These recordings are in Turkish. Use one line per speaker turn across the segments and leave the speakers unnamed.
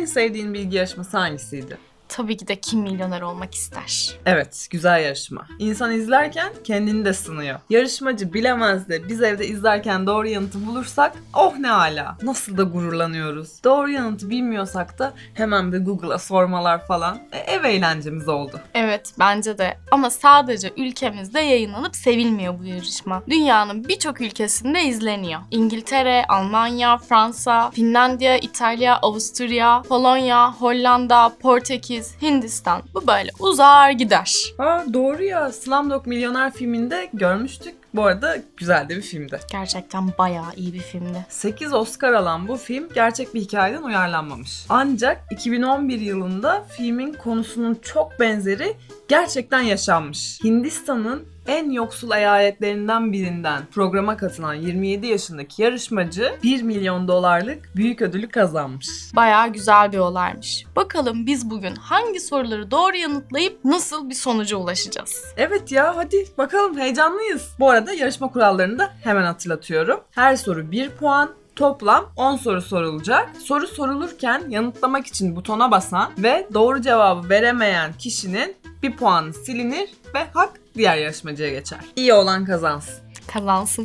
En sevdiğin bilgi yarışması hangisiydi?
Tabii ki de Kim Milyoner Olmak ister.
Evet, güzel yarışma. İnsan izlerken kendini de sınıyor. Yarışmacı bilemez de biz evde izlerken doğru yanıtı bulursak oh ne ala. Nasıl da gururlanıyoruz. Doğru yanıtı bilmiyorsak da hemen bir Google'a sormalar falan. Ev eğlencemiz oldu.
Evet, bence de. Ama sadece ülkemizde yayınlanıp sevilmiyor bu yarışma. Dünyanın birçok ülkesinde izleniyor. İngiltere, Almanya, Fransa, Finlandiya, İtalya, Avusturya, Polonya, Hollanda, Portekiz, Hindistan. Bu böyle uzar gider.
Doğru ya. Slumdog Milyoner filminde görmüştük. Bu arada güzel de bir filmdi.
Gerçekten bayağı iyi bir filmdi.
8 Oscar alan bu film gerçek bir hikayeden uyarlanmamış. Ancak 2011 yılında filmin konusunun çok benzeri gerçekten yaşanmış. Hindistan'ın en yoksul eyaletlerinden birinden programa katılan 27 yaşındaki yarışmacı 1 milyon dolarlık büyük ödülü kazanmış.
Bayağı güzel bir olaymış. Bakalım biz bugün hangi soruları doğru yanıtlayıp nasıl bir sonuca ulaşacağız?
Evet ya, hadi bakalım, heyecanlıyız. Bu arada yarışma kurallarını da hemen hatırlatıyorum. Her soru 1 puan. Toplam 10 soru sorulacak. Soru sorulurken yanıtlamak için butona basan ve doğru cevabı veremeyen kişinin bir puanı silinir ve hak diğer yarışmacıya geçer. İyi olan kazansın.
Kazansın.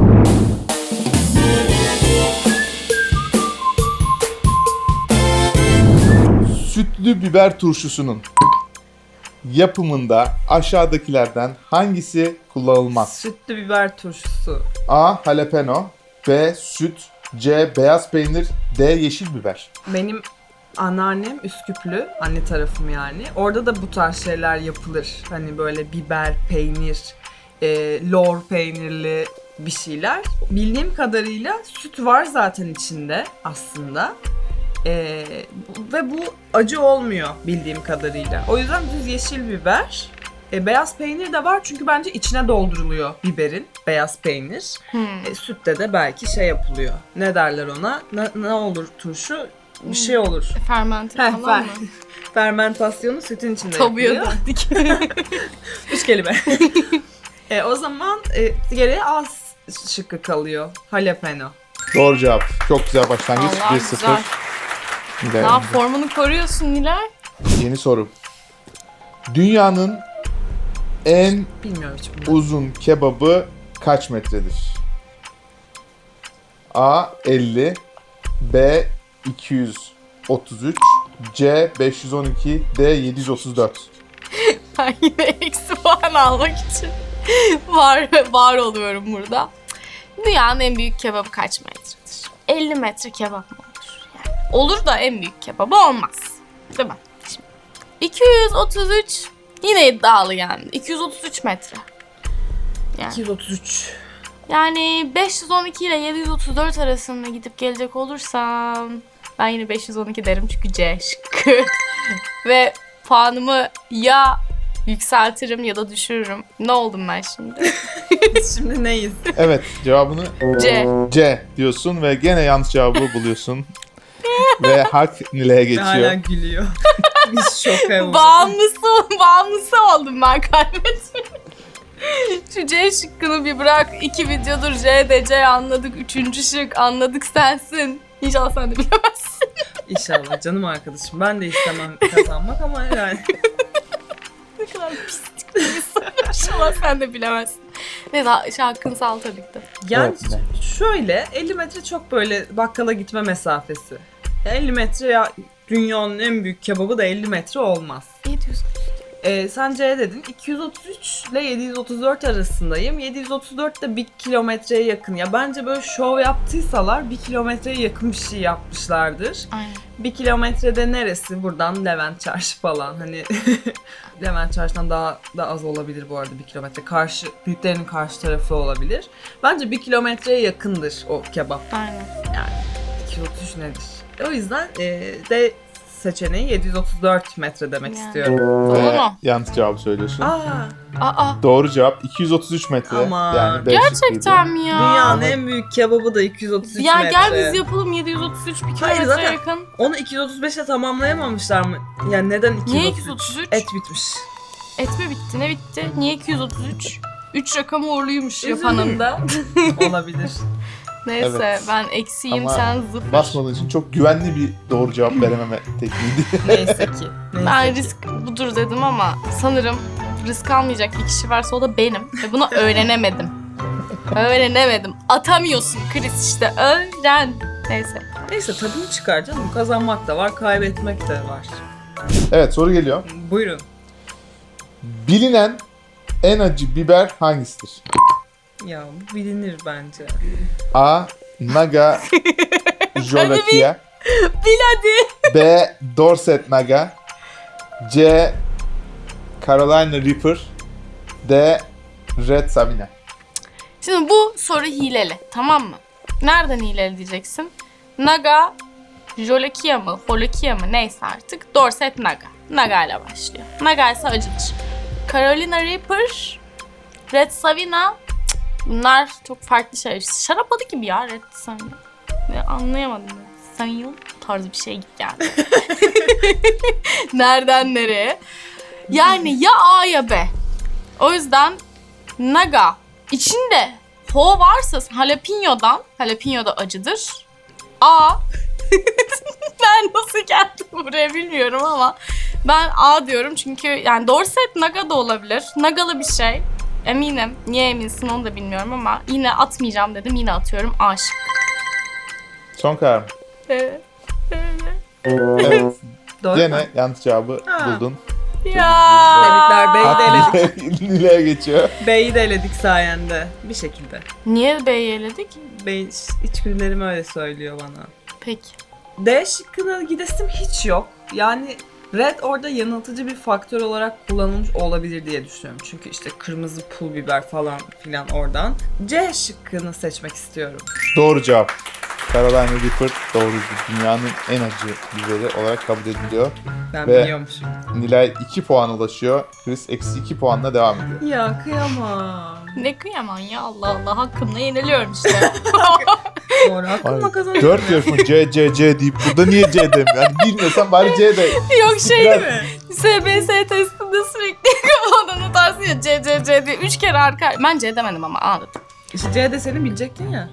Sütlü biber turşusunun yapımında aşağıdakilerden hangisi kullanılmaz?
Sütlü biber turşusu.
A. Jalapeno, B. Süt, C. Beyaz peynir, D. Yeşil biber.
Benim anneannem Üsküplü, anne tarafım yani. Orada da bu tarz şeyler yapılır. Hani böyle biber, peynir, lor peynirli bir şeyler. Bildiğim kadarıyla süt var zaten içinde aslında. Ve bu acı olmuyor bildiğim kadarıyla. O yüzden düz yeşil biber. Beyaz peynir de var çünkü bence içine dolduruluyor biberin, beyaz peynir. Sütte de belki şey yapılıyor. Ne derler ona? Ne olur turşu? Bir şey olur.
Fermente falan mı?
Fermentasyonu sütün içinde
Tabuya
yapılıyor.
döndük.
3 kelime. O zaman geriye az şıkkı kalıyor. Jalapeno.
Doğru cevap. Çok güzel başlangıç.
Allah
1-0.
güzel.
Nilay.
Daha formunu koruyorsun Nilay.
Yeni soru. Dünyanın en
Bilmiyorum hiç bunu.
uzun kebabı kaç metredir? A. 50, B. 233, C. 512, D. 734.
Ben yine eksi puan almak için var oluyorum burada. Dünyanın en büyük kebabı kaç metredir? 50 metre kebap mı olur? Yani olur da en büyük kebabı olmaz. Değil mi? Şimdi 233 yine iddialı yani. 233 metre. Yani,
233.
yani 512 ile 734 arasında gidip gelecek olursam ben yine 512 derim çünkü C şıkkı. Ve puanımı ya yükseltirim ya da düşürürüm. Ne oldum ben şimdi?
Biz şimdi neyiz?
Evet, cevabını
C.
diyorsun ve gene yanlış cevabı buluyorsun. Ve hak Nilay'a
Hala
geçiyor.
gülüyor. Biz şoka olduk.
Bağımlısı oldum ben kaybettim. Şu C şıkkını bir bırak. 2 videodur C anladık. 3. şık anladık sensin. İnşallah sen de bilemezsin.
İnşallah canım arkadaşım. Ben de istemem kazanmak ama yani.
Ne kadar pislik bir soru. İnşallah sen de bilemezsin. Neyse hakkını sağ ol tabii ki de.
Yani
Evet.
şöyle 50 metre çok böyle bakkala gitme mesafesi. 50 metre ya, dünyanın en büyük kebabı da 50 metre olmaz.
700.
Sen C dedin. 233 ile 734 arasındayım. 734 de 1 kilometreye yakın. Ya bence böyle şov yaptıysalar 1 kilometreye yakın bir şey yapmışlardır.
Aynen.
1 kilometrede neresi? Buradan Levent Çarşı falan. Hani Levent Çarşı'dan daha da az olabilir bu arada 1 kilometre. Karşı, büyüklerinin karşı tarafı olabilir. Bence 1 kilometreye yakındır o kebap.
Aynen.
Yani 233 nedir? O yüzden D seçeneği 734 metre demek
Yani.
istiyorum.
Doğru
Ve
mu?
yanlış cevabı söylüyorsun.
Aa.
Doğru cevap 233 metre.
Aman.
Yani B
Gerçekten
şıkkıydı.
mi ya?
Dünyanın en büyük kebabı da 233
Ya
metre.
gel biz yapalım 733 bir
Hayır,
kilometre
zaten
yakın.
onu 235'e tamamlayamamışlar mı? Yani neden 233?
Niye 233?
Et bitmiş.
Et mi bitti? Ne bitti? Niye 233? 3 rakamı uğurluymuş
Üzüldüm.
yapanın da.
Olabilir.
Neyse
Evet.
ben eksiyim,
Ama
sen zıpır.
Basmadığın için çok güvenli bir doğru cevap verememe tekniğiydi.
Neyse ki. Neyse
Ben
ki.
risk budur dedim ama sanırım risk almayacak bir kişi varsa o da benim. Ve bunu öğrenemedim. Öğrenemedim. Atamıyorsun Chris, işte öğren. Neyse.
Neyse tadını çıkar canım. Kazanmak da var, kaybetmek de var.
Evet, soru geliyor.
Buyurun.
Bilinen en acı biber hangisidir?
Ya bu bilinir bence.
A. Naga Jolokia.
Bil hadi.
B. Dorset Naga. C. Carolina Reaper. D. Red Sabina.
Şimdi bu soru hileli, tamam mı? Nereden hileli diyeceksin? Naga, Jolokia mı, Holokia mı neyse artık. Dorset Naga. Naga ile başlıyor. Naga ise acıdır. Carolina Reaper, Red Savina, bunlar çok farklı şeyler. Şarap adı gibi ya Red Savina. Anlayamadım. Savina tarzı bir şey geldi. Nereden nereye? Yani ya A ya B. O yüzden Naga içinde ho varsa jalapeno da acıdır. A. Ben nasıl geldim buraya bilmiyorum ama ben A diyorum çünkü yani Dorset Naga da olabilir. Nagalı bir şey. Eminim. Niye eminsin onu da bilmiyorum ama yine atmayacağım dedim. Yine atıyorum A şıkkı.
Son karar mı?
Evet.
Evet.
Doğru mu?
Gene yanlış cevabı
Ha.
buldun.
Ya.
Tebrikler, B'yi de eledik.
Nilay'a geçiyor.
B'yi de eledik sayende. Bir şekilde.
Niye B'yi eledik?
Bey içgüdülerim öyle söylüyor bana.
Peki.
D şıkkına gidesim hiç yok. Yani red orada yanıltıcı bir faktör olarak kullanılmış olabilir diye düşünüyorum. Çünkü işte kırmızı pul biber falan filan oradan. C şıkkını seçmek istiyorum.
Doğru cevap. Carolina Reaper doğru. Dünyanın en acı biberi olarak kabul ediliyor.
Ben
Ve-
biliyormuşum.
Nilay 2 puan ulaşıyor. Chris eksi 2 puanla devam ediyor.
Ya kıyamam.
Ne kıyaman ya, Allah Allah, hakkımla yeniliyorum işte.
Doğru hakkımla kazanıyorum.
4 yarışma C deyip burada niye C demiyor? Yani bilmiyorsan bari C de.
Yok şey
Biraz-
değil mi? SBS testinde sürekli kafadan atarsın ya C diye 3 kere arka. Ben C demedim ama A dedim.
İşte C de senin bilecektin ya.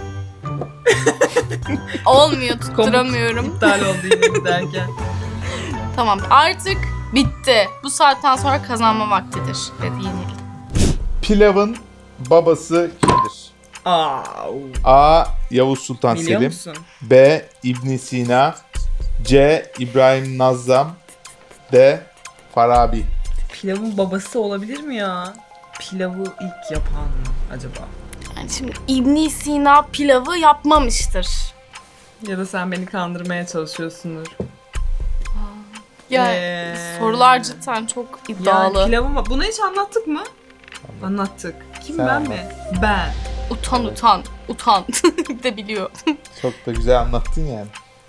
Olmuyor, tutturamıyorum.
İptal oldu yine giderken.
Tamam, artık bitti. Bu saatten sonra kazanma vaktidir dedi yenildi.
Pilavın babası kimdir?
Aa,
A. Yavuz Sultan
biliyor
Selim.
musun?
B. İbn Sina. C. İbrahim Nazzam. D. Farabi.
Pilavın babası olabilir mi ya? Pilavı ilk yapan mı acaba?
Yani şimdi İbn Sina pilavı yapmamıştır.
Ya da sen beni kandırmaya çalışıyorsundur.
Ya sorular cidden çok iddialı.
Yani pilavın bunu hiç anlattık mı? Anlattık. Kim
Sen
ben
anlat.
mi? Ben.
Utan. de biliyor.
Çok da güzel anlattın yani.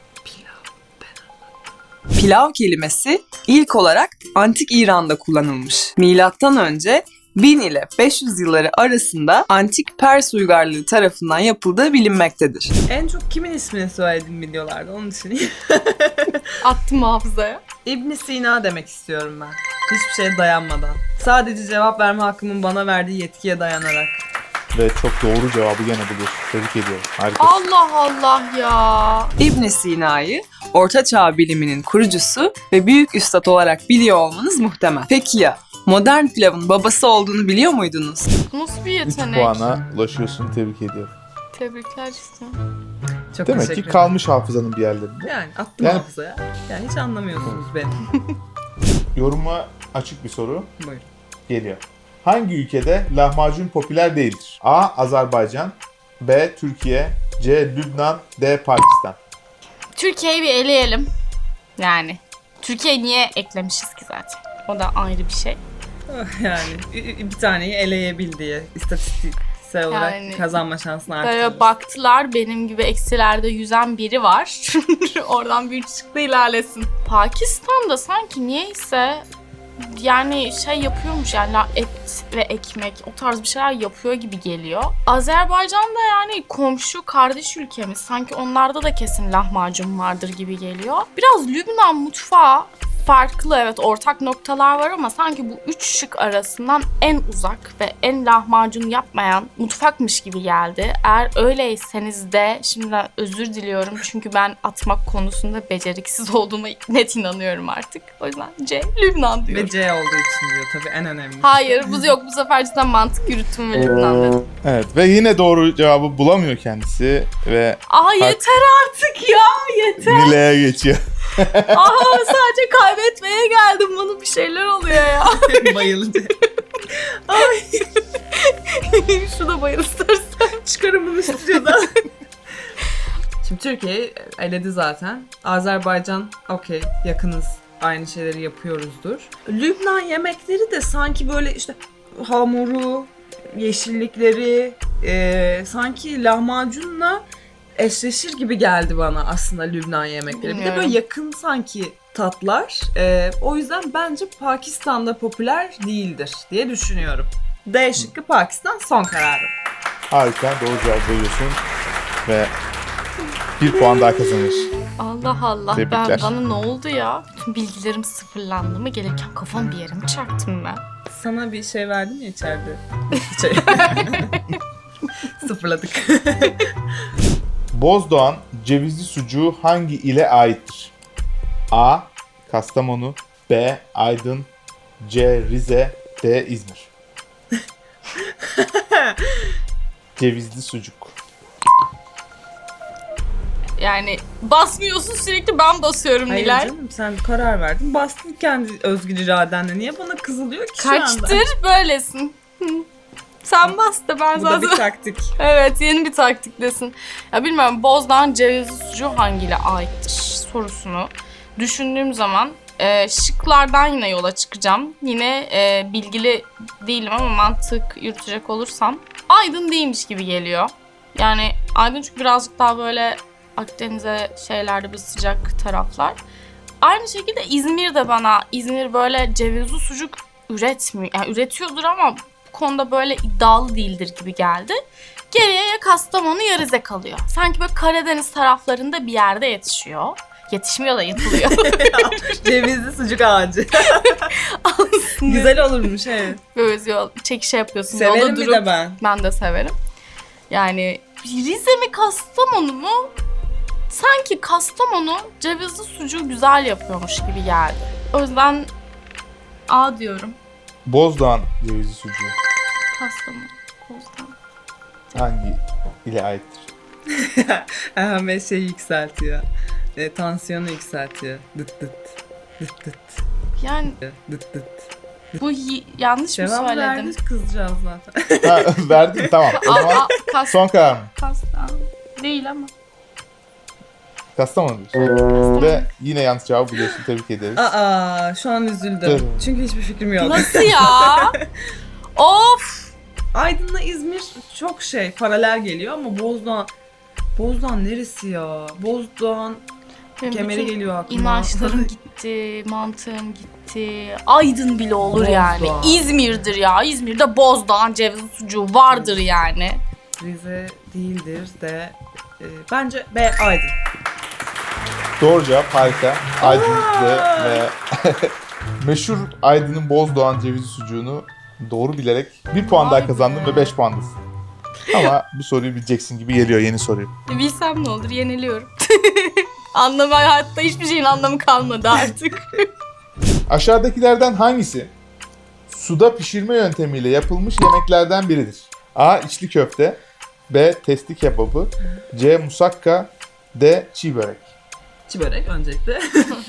Pilav kelimesi ilk olarak antik İran'da kullanılmış. Milattan önce 1000 ile 500 yılları arasında antik Pers uygarlığı tarafından yapıldığı bilinmektedir. En çok kimin ismini söyledim videolarda onun için.
Attım hafızaya.
İbn Sina demek istiyorum ben. Hiçbir şeye dayanmadan. Sadece cevap verme hakkımın bana verdiği yetkiye dayanarak.
Ve çok doğru cevabı gene buluyorsun. Tebrik ediyorum. Harikasın.
Allah Allah ya.
İbn Sina'yı Orta Çağ biliminin kurucusu ve büyük üstad olarak biliyor olmanız muhtemel. Peki ya modern pilavın babası olduğunu biliyor muydunuz?
Bu nasıl bir
3
yetenek?
puana ulaşıyorsun. Tebrik ediyorum.
Tebrikler işte.
Çok
Demek ki
teşekkür ederim.
kalmış hafızanın bir yerlerinde.
Yani attım
Yani-
hafızaya. Yani hiç anlamıyorsunuz beni.
Yoruma açık bir soru
Buyurun.
geliyor. Hangi ülkede lahmacun popüler değildir? A. Azerbaycan. B. Türkiye. C. Lübnan. D. Pakistan.
Türkiye'yi bir eleyelim. Yani Türkiye'yi niye eklemişiz ki zaten? O da ayrı bir şey.
Yani bir taneyi eleyebil diye istatistiksel olarak
Yani-
kazanma şansını
Böyle
artırırız.
baktılar, benim gibi eksilerde yüzen biri var. Oradan bir çıktı ilerlesin. Pakistan'da sanki niyeyse yani şey yapıyormuş, yani et ve ekmek o tarz bir şeyler yapıyor gibi geliyor. Azerbaycan'da yani komşu kardeş ülkemiz, sanki onlarda da kesin lahmacun vardır gibi geliyor. Biraz Lübnan mutfağı farklı, evet, ortak noktalar var ama sanki bu üç şık arasından en uzak ve en lahmacun yapmayan mutfakmış gibi geldi. Eğer öyleyseniz de şimdiden özür diliyorum çünkü ben atmak konusunda beceriksiz olduğuma net inanıyorum artık. O yüzden C, Lübnan diyorum.
Ve C olduğu için diyor tabii en önemli.
Hayır, bu sefer cidden mantık yürüttüm ve Lübnan dedim.
Evet ve yine doğru cevabı bulamıyor kendisi ve
Aa yeter artık ya, yeter.
Nile'ye geçiyor.
Aha sadece kaybetmeye geldim, bana bir şeyler oluyor ya.
Bayıldı.
Şu da bayıl istersen.
Çıkarın bunu stüdyodan. Şimdi Türkiye eledi zaten. Azerbaycan okey, yakınız. Aynı şeyleri yapıyoruzdur. Lübnan yemekleri de sanki böyle işte hamuru, yeşillikleri sanki lahmacunla eşleşir gibi geldi bana aslında Lübnan yemekleri. Bir de
Bilmiyorum.
böyle yakın sanki tatlar. O yüzden bence Pakistan'da popüler değildir diye düşünüyorum. D şıkkı Pakistan son kararım.
Harika, doğru cevap veriyorsun ve bir puan daha kazanır.
Allah Allah,
Tebrikler.
bana ne oldu ya? Bütün bilgilerim sıfırlandı mı? Gelirken kafam bir yere mi çarptım ben?
Sana bir şey verdim ya içeride. Şey. Sıfırladık.
Bozdoğan cevizli sucuğu hangi ile aittir? A. Kastamonu, B. Aydın, C. Rize, D. İzmir. Cevizli sucuk.
Yani basmıyorsun, sürekli ben basıyorum
Hayır
Nilay.
canım, sen karar verdin. Bastın kendi özgür iradenle. Niye bana kızılıyor ki şu anda?
Kaçtır böylesin. Hı. Sen bas da ben
Bu da bir
zaten...
taktik.
Evet, yeni bir taktiklesin. Ya bilmiyorum, Bozdoğan cevizli sucuğu hangiyle aittir sorusunu düşündüğüm zaman şıklardan yine yola çıkacağım. Yine bilgili değilim ama mantık yürütecek olursam Aydın değilmiş gibi geliyor. Yani Aydın çünkü birazcık daha böyle Akdeniz'e şeylerde bir sıcak taraflar. Aynı şekilde İzmir de bana, İzmir böyle cevizli sucuk üretmiyor. Yani üretiyordur ama bu konuda böyle iddialı değildir gibi geldi. Geriye ya Kastamonu ya Rize kalıyor. Sanki böyle Karadeniz taraflarında bir yerde yetişiyor. Yetişmiyor da yatılıyor.
Cevizli sucuk ağacı. Güzel olurmuş evet.
Böyle yol, çekişe yapıyorsun.
Severim
Yolda
bir
durup,
de ben.
ben de severim. Yani Rize mi Kastamonu mu? Sanki Kastamonu cevizli sucuğu güzel yapıyormuş gibi geldi. O yüzden A diyorum.
Bozdoğan cevizli sucuğu
Kastamonu. Bozdoğan.
hangi ile aittir?
Ahmet şey yükseltiyor. Tansiyonu yükseltiyor. Dıt dıt. Dıt dıt.
Yani
Dıt dıt.
bu yanlış mı
Cevap
söyledim?
verdik kızcağız zaten.
Ha, verdim tamam. O zaman son karar mı?
Kastamonu. Değil ama.
Kastamonu diyorsun. Ve yine yanlış cevabı biliyorsun. Tebrik ederiz.
Aa, şu an üzüldüm.
Dur.
Çünkü hiçbir fikrim yok.
Nasıl ya? Of!
Aydın'la İzmir çok paralel geliyor ama Bozdoğan neresi ya? Bozdoğan
Benim
kemeri
bütün
geliyor aklıma.
İnançlarım gitti, mantığım gitti. Aydın bile olur yani.
Bozdoğan.
İzmir'dir ya. İzmir'de Bozdoğan cevizli sucuğu vardır yani.
Rize değildir de bence B Aydın.
Doğru cevap harika. Aydın'da ve meşhur Aydın'ın Bozdoğan cevizli sucuğunu doğru bilerek bir puan
Vay
daha
be.
kazandın ve 5 puandasın. Ama bu soruyu bileceksin gibi geliyor, yeni soruyu.
Bilsem ne olur, yeniliyorum. Anlamı, hayatta hiçbir şeyin anlamı kalmadı artık.
Aşağıdakilerden hangisi suda pişirme yöntemiyle yapılmış yemeklerden biridir? A. İçli köfte, B. Testi kebabı, C. Musakka, D. Çiğ börek.
Çiğ börek öncelikle.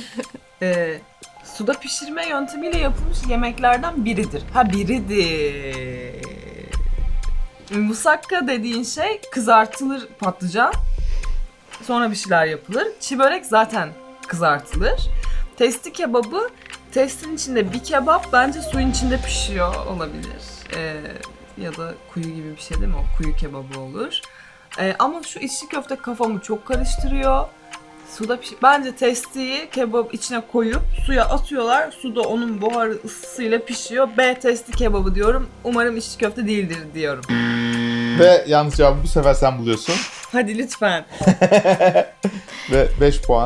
Suda pişirme yöntemiyle yapılmış yemeklerden biridir. Ha biridir. Musakka dediğin şey kızartılır patlıcan. Sonra bir şeyler yapılır. Çiğ börek zaten kızartılır. Testi kebabı, testin içinde bir kebap bence suyun içinde pişiyor olabilir. Ya da kuyu gibi bir şey değil mi? O kuyu kebabı olur. Ama şu içli köfte kafamı çok karıştırıyor. Suda bence testiyi kebap içine koyup suya atıyorlar. Suda onun buharı ısısıyla pişiyor. B testi kebabı diyorum. Umarım içli köfte değildir diyorum.
Ve yanlış cevabı bu sefer sen buluyorsun.
Hadi lütfen.
Ve 5 puan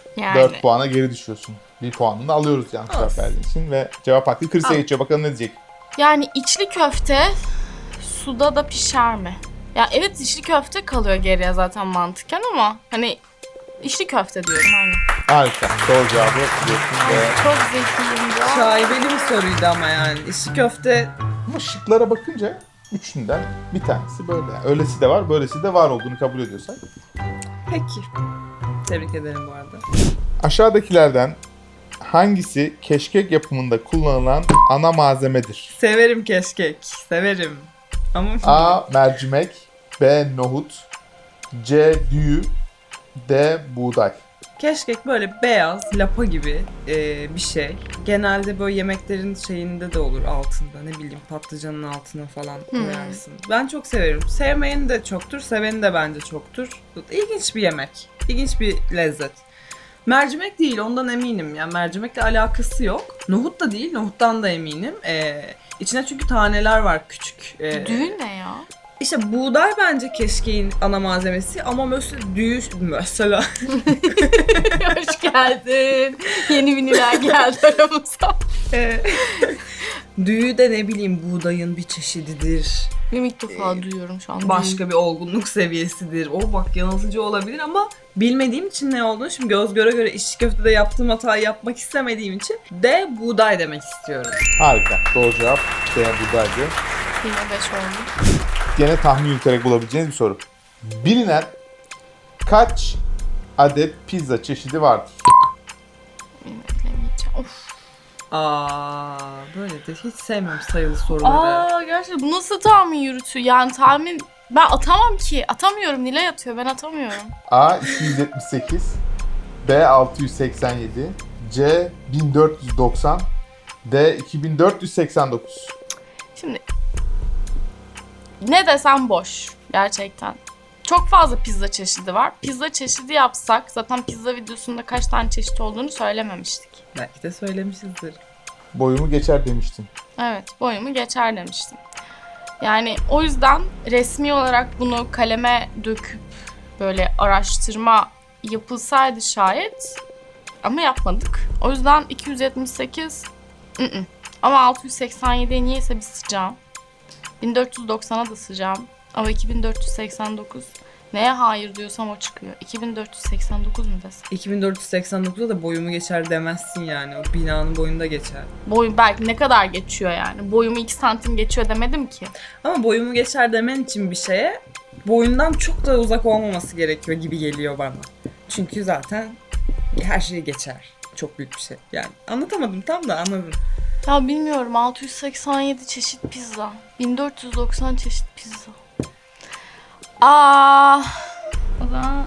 Yani
4 puana geri düşüyorsun. 1 puanını da alıyoruz yanlış cevap
Olsun.
verdiğin için ve cevap hakkı Chris'e
Al.
geçiyor. Bakalım ne diyecek?
yani içli köfte suda da pişer mi? Ya evet içli köfte kalıyor geriye zaten mantıken ama hani içli köfte diyorum aynen.
Harika. Doğru cevabı biliyorsun ve
Çok zekiyim ya.
Şaibeli bir soruydu ama yani. İşi köfte
ama şıklara bakınca üçünden bir tanesi böyle. Yani öylesi de var, böylesi de var olduğunu kabul ediyorsak.
peki. Tebrik ederim bu arada.
Aşağıdakilerden hangisi keşkek yapımında kullanılan ana malzemedir?
Severim keşkek. Severim. Ama
A. Mercimek, B. Nohut, C. Düğü, D. Buğday.
keşkek böyle beyaz, lapa gibi bir şey. Genelde böyle yemeklerin şeyinde de olur altında. Ne bileyim patlıcanın altına falan koyarsın. Ben çok severim. Sevmeyeni de çoktur, seveni de bence çoktur. İlginç bir yemek. İlginç bir lezzet. Mercimek değil, ondan eminim. Yani mercimekle alakası yok. Nohut da değil, nohuttan da eminim. İçine çünkü taneler var küçük.
Düğün ne ya?
İşte buğday bence keşkeğin ana malzemesi ama mesela
Hoş geldin. Yeni viniler geldi aramıza.
düğü de ne bileyim buğdayın bir çeşididir.
Benim ilk defa duyuyorum şu an.
Başka bir olgunluk seviyesidir. O bak yanıltıcı olabilir ama bilmediğim için ne olduğunu şimdi göz göre göre içli köftede yaptığım hatayı yapmak istemediğim için de buğday demek istiyorum.
Harika. Doğru cevap D. Buğdaydı.
Yine 5 oldu.
Gene tahmin yürüterek bulabileceğiniz bir soru. Bilinen kaç adet pizza çeşidi vardır?
Bilemeyeceğim. Of.
Böyle de hiç sevmiyorum sayılı soruları.
Gerçekten bu nasıl tahmin yürütüyor? Yani tahmin ben atamam ki. Atamıyorum. Nilay atıyor. Ben atamıyorum.
A. 278, B. 687, C. 1490, D. 2489.
Şimdi ne desem boş gerçekten. Çok fazla pizza çeşidi var. Pizza çeşidi yapsak zaten pizza videosunda kaç tane çeşit olduğunu söylememiştik.
Belki de söylemişizdir.
Boyumu geçer demiştin.
Evet, boyumu geçer demiştim. Yani o yüzden resmi olarak bunu kaleme döküp böyle araştırma yapılsaydı şayet ama yapmadık. O yüzden 278 ama 687'ye niyeyse bir sıcağım. 1490'a da sıcağım. Ama 2489 neye hayır diyorsam o çıkıyor. 2489 mu desem?
2489'da da boyumu geçer demezsin yani. O binanın boyunda geçer.
Boyum belki ne kadar geçiyor yani. Boyumu 2 santim geçiyor demedim ki.
Ama boyumu geçer demen için bir şeye boyundan çok da uzak olmaması gerekiyor gibi geliyor bana. Çünkü zaten her şey geçer. Çok büyük bir şey. Yani anlatamadım tam da anladın.
Ya bilmiyorum 687 çeşit pizza. 1490 çeşit pizza. O zaman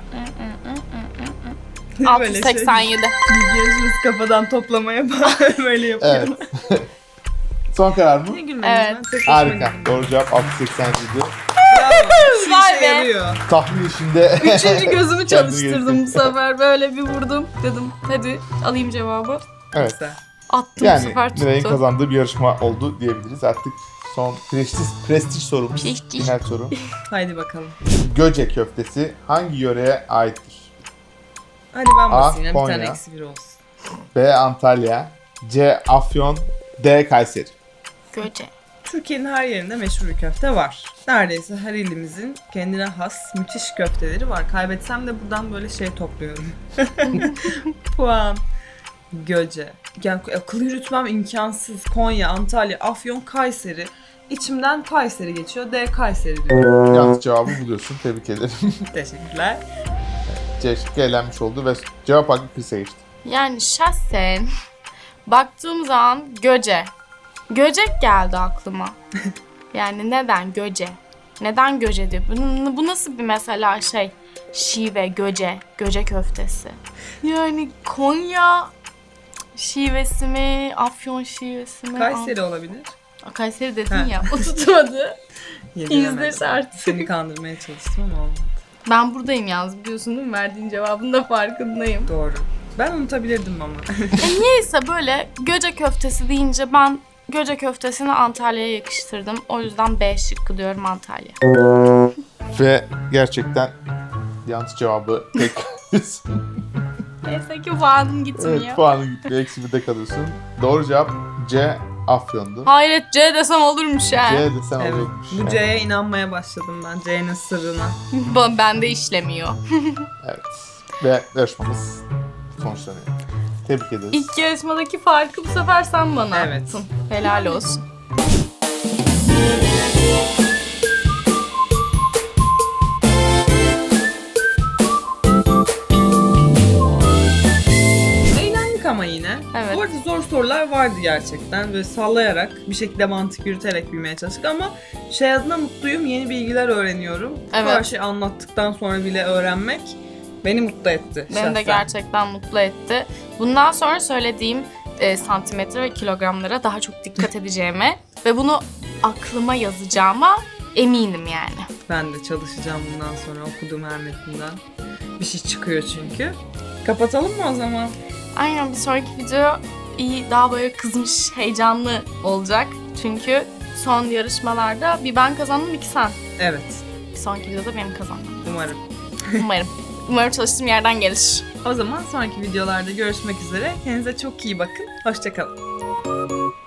687.
Bilgilerimiz kafadan toplamaya böyle yapıyorum.
Evet. Son karar mı?
Niye gülmediniz?
Evet.
Ben tek başıma
Harika.
güldüm.
Doğru cevap 687.
Bravo. Şu
Vay
işe
be.
yarıyor.
Tahmin işinde...
Üçüncü gözümü
Kendini
çalıştırdım bu
geliştirdim.
sefer. Böyle bir vurdum. Dedim hadi alayım cevabı.
Evet.
Güzel.
Attım bu
Yani
sefer
Nilay'ın
tuttu.
kazandığı bir yarışma oldu diyebiliriz. Artık son prestij sorumuz.
Prestij.
Final soru.
Haydi bakalım.
Göce köftesi hangi yöreye aittir?
Hadi ben basayım ya. Bir
Konya.
tane eksi bir olsun.
B. Antalya, C. Afyon, D. Kayseri.
Göce.
Türkiye'nin her yerinde meşhur bir köfte var. Neredeyse her ilimizin kendine has müthiş köfteleri var. Kaybetsem de buradan böyle şey topluyorum. Puan. Göce. Yani akıl yürütmem imkansız. Konya, Antalya, Afyon, Kayseri. İçimden Kayseri geçiyor. D. Kayseri diyor.
Yanlış cevabı buluyorsun. Tebrik ederim.
Teşekkürler.
C şıkkı elenmiş oldu ve cevap hakkı Chris'e geçti.
Yani şahsen baktığım zaman Göce. Göcek geldi aklıma. Yani neden Göce? Neden Göce diyor? Bu nasıl bir mesela şey? Şive, Göce, Göce köftesi. Yani Konya şivesi mi? Afyon şivesi mi?
Kayseri olabilir.
Kayseri dedin
Ha.
ya. O tutmadı.
Yediremedim.
İzle artık.
Seni kandırmaya çalıştım ama olmadı.
Ben buradayım yalnız biliyorsun değil mi? Verdiğin cevabın da farkındayım.
Doğru. Ben unutabilirdim ama.
Niyeyse böyle Göce köftesi deyince ben Göce köftesini Antalya'ya yakıştırdım. O yüzden B şıkkı diyorum Antalya.
Ve gerçekten yanlış cevabı tek
Neyse ki puanım gitmiyor.
Evet, puanın gitti. Eksi 1'de kalıyorsun. Doğru cevap C. Afyon'du.
Hayret, C desem olurmuş ya.
C desen
Evet.
olacakmış.
Bu C'ye inanmaya başladım ben. C'nin sırrına.
Bende işlemiyor.
Evet. Ve yarışmamız sonuçlanıyor. Tebrik ederiz.
İlk yarışmadaki farkı bu sefer sen bana
Evet.
attın. Helal olsun.
Eğlendik ama yine.
Evet.
Bu arada zor sorular vardı gerçekten. Böyle sallayarak, bir şekilde mantık yürüterek bilmeye çalıştık ama şey adına mutluyum. Yeni bilgiler öğreniyorum.
Evet.
Bu her şeyi anlattıktan sonra bile öğrenmek beni mutlu etti
Beni de
şahsen.
gerçekten mutlu etti. Bundan sonra söylediğim santimetre ve kilogramlara daha çok dikkat edeceğime ve bunu aklıma yazacağıma eminim yani.
Ben de çalışacağım bundan sonra okuduğum her metinden. Bir şey çıkıyor çünkü. Kapatalım mı o zaman?
Aynen, bir sonraki video iyi, daha böyle kızmış, heyecanlı olacak. Çünkü son yarışmalarda bir ben kazandım, iki sen.
Evet.
Bir sonraki videoda benim kazanmam.
Umarım.
Umarım. Umarım çalıştığım yerden gelir.
O zaman sonraki videolarda görüşmek üzere. Kendinize çok iyi bakın. Hoşça kalın.